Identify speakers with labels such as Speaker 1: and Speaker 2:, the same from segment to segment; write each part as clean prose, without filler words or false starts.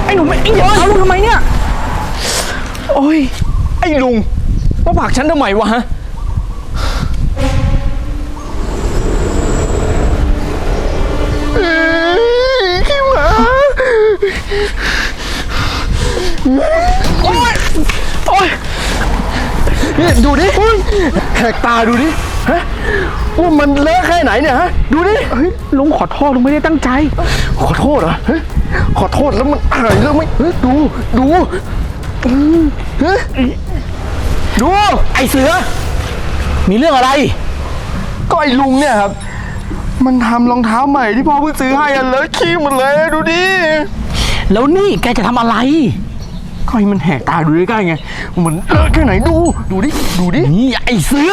Speaker 1: ไอ้หนุ่มไอ้เดี๋ยวเอาลุงทำไมเนี่ยโอ้ยไอ้ลุงมาผลักฉันทำไมวะฮะขี้หมาโอ้ยโอ้ยนี่ดูดิแหกตาดูดิฮะว่ามันเลอะแค่ไหนเนี่ยฮะดูดิเฮ้ยลุงขอโทษลุงไม่ได้ตั้งใจขอโทษเหรอเฮ้ยขอโทษแล้วมันหายแล้วไหมเฮ้ยดูเฮ้ยดูไอเสือมีเรื่องอะไรก็ไอลุงเนี่ยครับมันทำรองเท้าใหม่ที่พ่อเพิ่งซื้อให้อันเลอะขี้หมดเลยดูดิแล้วนี่แกจะทำอะไรก็ให้มันแหกตาดูใกล้ๆไงมันเลอะแค่ไหนดูดินี่ไอเสือ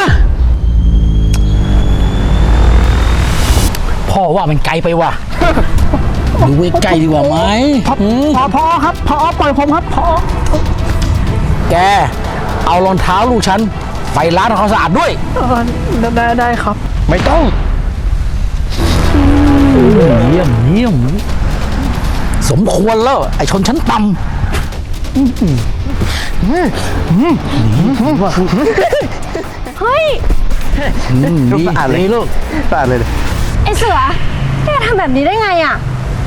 Speaker 2: พ่อว่ามันไกลไปว่ะ ดูใกล้ดีกว่าไหม
Speaker 1: พอครับพอปล่อยผมครับพอ
Speaker 2: แกเอารองเท้าลูกฉันไปล้างทำความสะอาดด้วย
Speaker 1: ได้ครับไม่ต้อง
Speaker 2: เยี่ยมสมควรแล้วไอชนชั้นต่ำ
Speaker 3: เฮ้ย
Speaker 1: ลูกสะอาดเลยลูกสะอาดเลย
Speaker 3: ไอเสือแกทำแบบนี้ได้ไงอ่ะ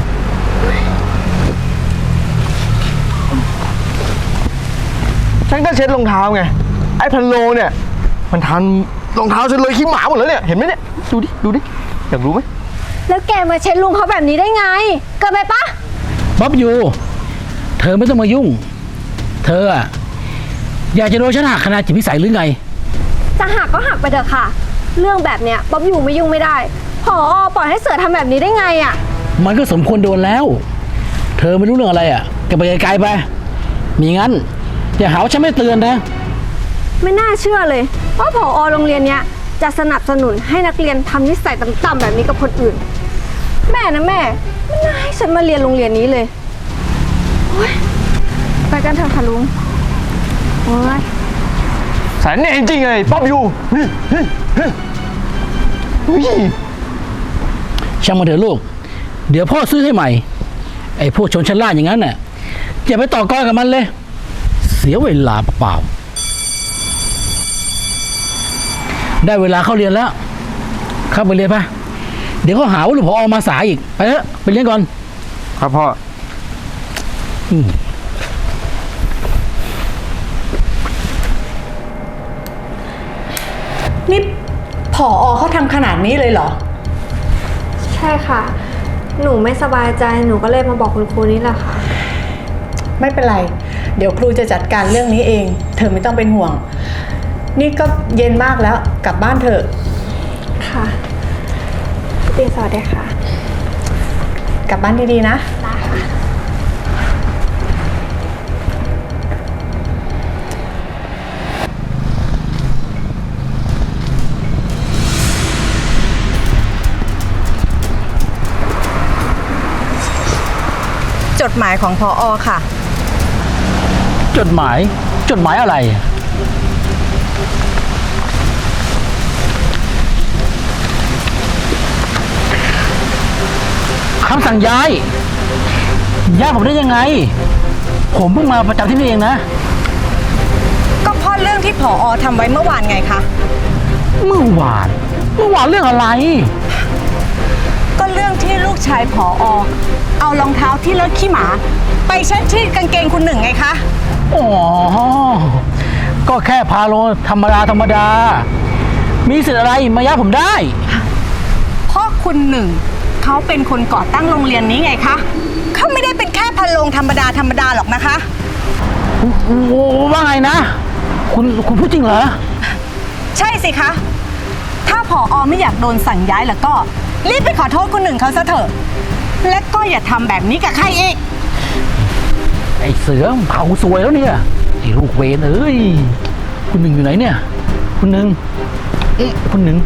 Speaker 1: ฉันก็เช็ดรองเท้าไงไอ้พันโลเนี่ยมันทำรองเท้าฉันเลยขี้หมาหมดแล้วเนี่ยเห็นไหมเนี่ยดูดิอยากรู้ไหม
Speaker 3: แล้วแกมาเช็ดลุงเขาแบบนี้ได้ไงเกิดไปปะ
Speaker 2: บ๊อบยูเธอไม่ต้องมายุ่งเธออะอยากจะโดนฉันหักขนาดจิตวิสัยหรือไง
Speaker 3: จะหักก็หักไปเถอะค่ะเรื่องแบบเนี้ยบ๊อบอยู่ไม่ยุ่งไม่ได้ผอ.ปล่อยให้เสือทำแบบนี้ได้ไงอ่ะ
Speaker 2: มันก็สมควรโดนแล้วเธอไม่รู้เรื่องอะไรอ่ะแกไปไกลๆไปมีงั้นอย่าหาว่าฉันไม่เตือนนะ
Speaker 3: ไม่น่าเชื่อเลยว่าผอ.โรงเรียนเนี้ยจะสนับสนุนให้นักเรียนทำนิสัยต่ำๆแบบนี้กับคนอื่นแม่นะแม่ไม่น่าให้ฉันมาเรียนโรงเรียนนี้เลยไปกันเถอะค่ะลุงโอ้ย
Speaker 1: แสนเนี่ยจริงๆเลยป๊อบอยู่
Speaker 2: ช่างมาเถอะลูกเดี๋ยวพ่อซื้อให้ใหม่ไอ้พวกชนชั้นล่างอย่างนั้นน่ะอย่าไปต่อกรกับมันเลยเสียเวลาเปล่าได้เวลาเข้าเรียนแล้วเข้าไปเรียนปะเดี๋ยวเขาหาว่าลูกผอ.มาสายอีกไปเถอะไปเรียนก่อน
Speaker 1: ครับพ่อ
Speaker 4: นี่ผอ.เขาทำขนาดนี้เลยเหรอ
Speaker 3: ใช่ค่ะหนูไม่สบายใจหนูก็เลยมาบอกคุณครูนี่แหละค่ะ
Speaker 4: ไม่เป็นไรเดี๋ยวครูจะจัดการเรื่องนี้เองเธอไม่ต้องเป็นห่วงนี่ก็เย็นมากแล้วกลับบ้านเถอะ
Speaker 3: ค่ะเรียนสวัสดีค่ะ
Speaker 4: กลับบ้านดีๆนะ
Speaker 3: ได้ค่ะ
Speaker 4: จดหมายของผอ.ค่ะ
Speaker 2: จดหมายอะไรคำสั่งย้ายผมได้ยังไงผมเพิ่งมาประจำที่นี่เองนะ
Speaker 4: ก็เพราะเรื่องที่ผอ.ทำไว้เมื่อวานไงคะ
Speaker 2: เมื่อวานเรื่องอะไร
Speaker 4: ก็เรื่องที่ลูกชายผอ.เอารองเท้าที่เลอะขี้หมาไปเช็ดที่กางเกงคุณหนึ่งไงคะ
Speaker 2: อ๋อก็แค่พาโลธรรมดามีสิทธิ์อะไรมาย้ายผมได้
Speaker 4: เพราะคุณหนึ่งเขาเป็นคนก่อตั้งโรงเรียนนี้ไงคะเขาไม่ได้เป็นแค่พาโลธรรมดาหรอกนะคะ
Speaker 2: ว่าไงนะคุณพูดจริงเหรอ
Speaker 4: ใช่สิคะถ้าผอ.ไม่อยากโดนสั่งย้ายแล้วก็รีบไปขอโทษคุณหนึ่งเขาซะเถอะและก็อย่าทำแบบนี้กับใครอีก
Speaker 2: ไอ้เสือเผาสวยแล้วเนี่ยไอ้ลูกเวรเอ้ยคุณหนึ่งอยู่ไหนเนี่ยคุณหนึ่งคุณหนึ่ง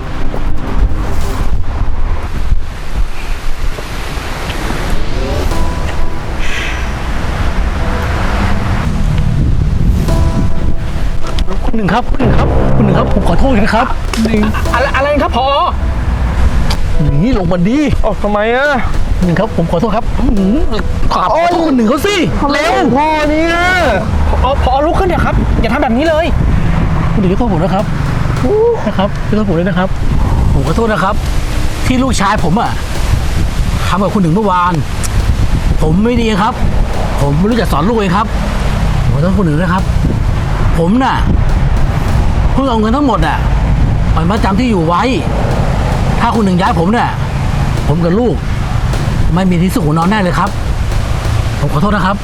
Speaker 2: ครับคุณหนึ่งครับผมขอโทษนะครับ
Speaker 1: อะไรครับพอ
Speaker 2: นี่ลงมาดี
Speaker 1: ทำไมอะ
Speaker 2: หนึ่งครับผมขอโทษครับขอโทษคุณหนึ่งเขาสิเร็ว
Speaker 1: พ่อเนี่ย
Speaker 5: พอลุกขึ้นเถอะครับ อย่าทำแบบนี้เลย
Speaker 2: คุณหนึ่งขอโทษผมนะครับนะครับขอโทษผมด้วยนะครับ ผมขอโทษนะครับ ที่ลูกชายผมอะทำกับคุณหนึ่งเมื่อวาน ผมไม่ดีครับ ผมไม่รู้จะสอนลูกเองครับผมขอโทษคุณหนึ่งนะครับ ผมน่ะเพิ่งเอาเงินทั้งหมดอะไปมาจำที่อยู่ไว้ ถ้าคุณหนึ่งย้ายผมเนี่ยผมกับลูก ไม่มีที่สุขหัวนอนแน่เลยครับ ผมขอโทษนะครับ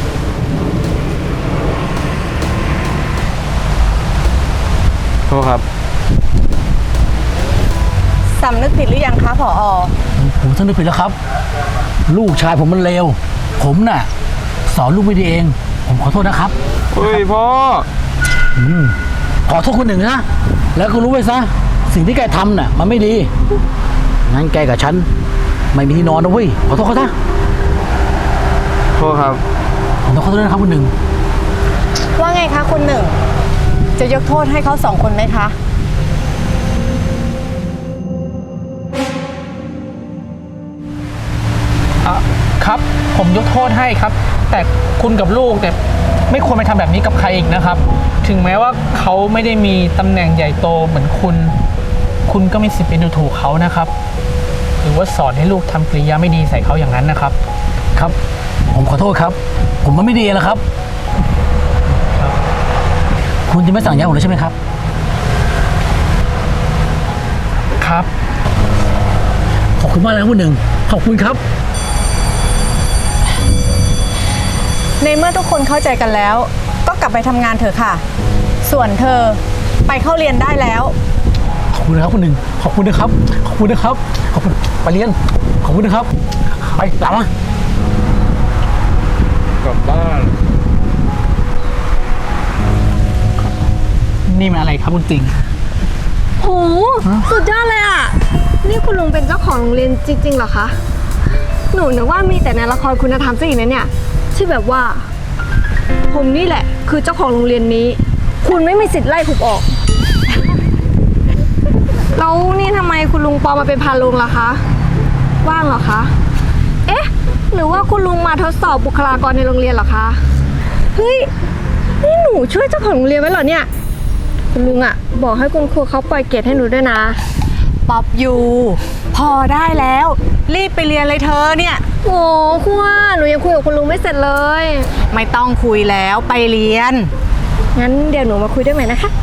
Speaker 1: โทษครับ
Speaker 4: สำนึกผิดหรือยังคะผอ
Speaker 2: ผมสำนึกผิดแล้วครับ ลูกชายผมมันเลวผมน่ะ สอนลูกไม่ดีเอง ผมขอโทษนะครับ
Speaker 1: เฮ้ยพ่อ
Speaker 2: ขอโทษคนหนึ่งนะแล้วก็รู้ไว้ซะสิ่งที่แกทำน่ะมันไม่ดีงั้นแกกับฉันไม่มีที่นอนนะเว้ยขอโทษเขาซะ
Speaker 1: โทษครับ
Speaker 2: ผมต้องขอโทษด้วยนะครับคนหนึ่ง
Speaker 4: ว่าไงคะคุณหนึ่ง จะยกโทษให้เขา2 คนไหมคะ
Speaker 5: ครับ ผมยกโทษให้ครับ แต่คุณกับลูกเนี่ยไม่ควรไปทำแบบนี้กับใครอีกนะครับ ถึงแม้ว่าเขาไม่ได้มีตำแหน่งใหญ่โตเหมือนคุณ คุณก็มีสิทธิ์ไปดูถูกเขานะครับ หรือว่าสอนให้ลูกทำกริยาไม่ดีใส่เขาอย่างนั้นนะครับ
Speaker 2: ครับ ผมขอโทษครับ ผมมันไม่ดีแล้วครับ คุณจะไม่สั่งย้ายผมเลยใช่ไหมครับ
Speaker 5: ครับ
Speaker 2: ขอบคุณมากเลยครับคุณหนึ่งขอบคุณครับ
Speaker 4: ในเมื่อทุกคนเข้าใจกันแล้ว ก็กลับไปทำงานเถอะค่ะ ส่วนเธอไปเข้าเรียนได้แล้ว
Speaker 2: ขอบคุณนะครับคุณหนึ่งขอบคุณนะครับ ขอบคุณนะครับ ขอบคุณไปเรียน ขอบคุณนะครับ ไปตามมา
Speaker 1: กลับบ้าน
Speaker 5: นี่มันอะไรครับคุณติง
Speaker 3: โห สุดยอดเลยอ่ะ นี่คุณลุงเป็นเจ้าของโรงเรียนจริงๆเหรอคะ หนูนึกว่ามีแต่ในละครคุณธรรมซะอีกนะเนี่ยที่แบบว่า ผมนี่แหละ คือเจ้าของโรงเรียนนี้ คุณไม่มีสิทธิ์ไล่ผมออก แล้วนี่ทำไมคุณลุงปลอมมาเป็นพานลุงล่ะคะ ว่างเหรอคะ เอ๊ะ หรือว่าคุณลุงมาทดสอบบุคลากรในโรงเรียนเหรอคะ เฮ้ย นี่หนูช่วยเจ้าของโรงเรียนไว้เหรอเนี่ย คุณลุงอะบอกให้คุณครูเขาปล่อยเกรดให้หนูด้วยนะ
Speaker 4: ป๊อปยูพอได้แล้ว รีบไปเรียนเลยเธอเนี่ย
Speaker 3: โอ้ครูว่าหนูยังคุยกับคุณลุงไม่เสร็จเลย
Speaker 4: ไม่ต้องคุยแล้วไปเรียน
Speaker 3: งั้นเดี๋ยวหนูมาคุยด้วยใหม่นะคะ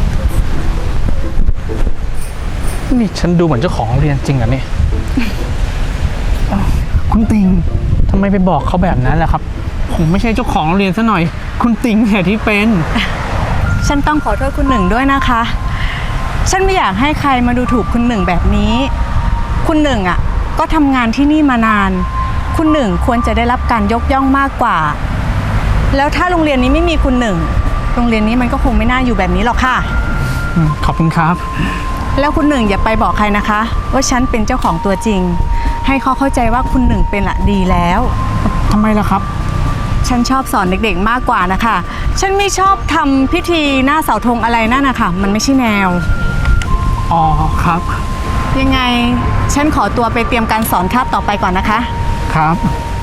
Speaker 5: นี่ฉันดูเหมือนเจ้าของโรงเรียนจริงเหรอเนี่ยอ้าวคุณติงทำไมไปบอกเขาแบบนั้นล่ะครับ ผมไม่ใช่เจ้าของโรงเรียนซะหน่อย คุณติงเนี่ยที่เป็น
Speaker 4: ฉันต้องขอโทษคุณหนึ่งด้วยนะคะ ฉันไม่อยากให้ใครมาดูถูกคุณหนึ่งแบบนี้ คุณหนึ่งอ่ะก็ทำงานที่นี่มานาน คุณหนึ่งควรจะได้รับการยกย่องมากกว่า แล้วถ้าโรงเรียนนี้ไม่มีคุณหนึ่ง โรงเรียนนี้มันก็คงไม่น่าอยู่แบบนี้หรอกค่ะ
Speaker 5: ขอบคุณครับ
Speaker 4: แล้วคุณหนึ่งอย่าไปบอกใครนะคะ ว่าฉันเป็นเจ้าของตัวจริง ให้เขาเข้าใจว่าคุณหนึ่งเป็นละดีแล้ว
Speaker 5: ทำไมล่ะครับ
Speaker 4: ฉันชอบสอนเด็กๆมากกว่านะคะ ฉันไม่ชอบทำพิธีหน้าเสาธงอะไรนั่นนะคะมันไม่ใช่แนว
Speaker 5: อ๋อครับ
Speaker 4: ยังไงฉันขอตัวไปเตรียมการสอนคาบต่อไปก่อนนะคะ
Speaker 5: ครับ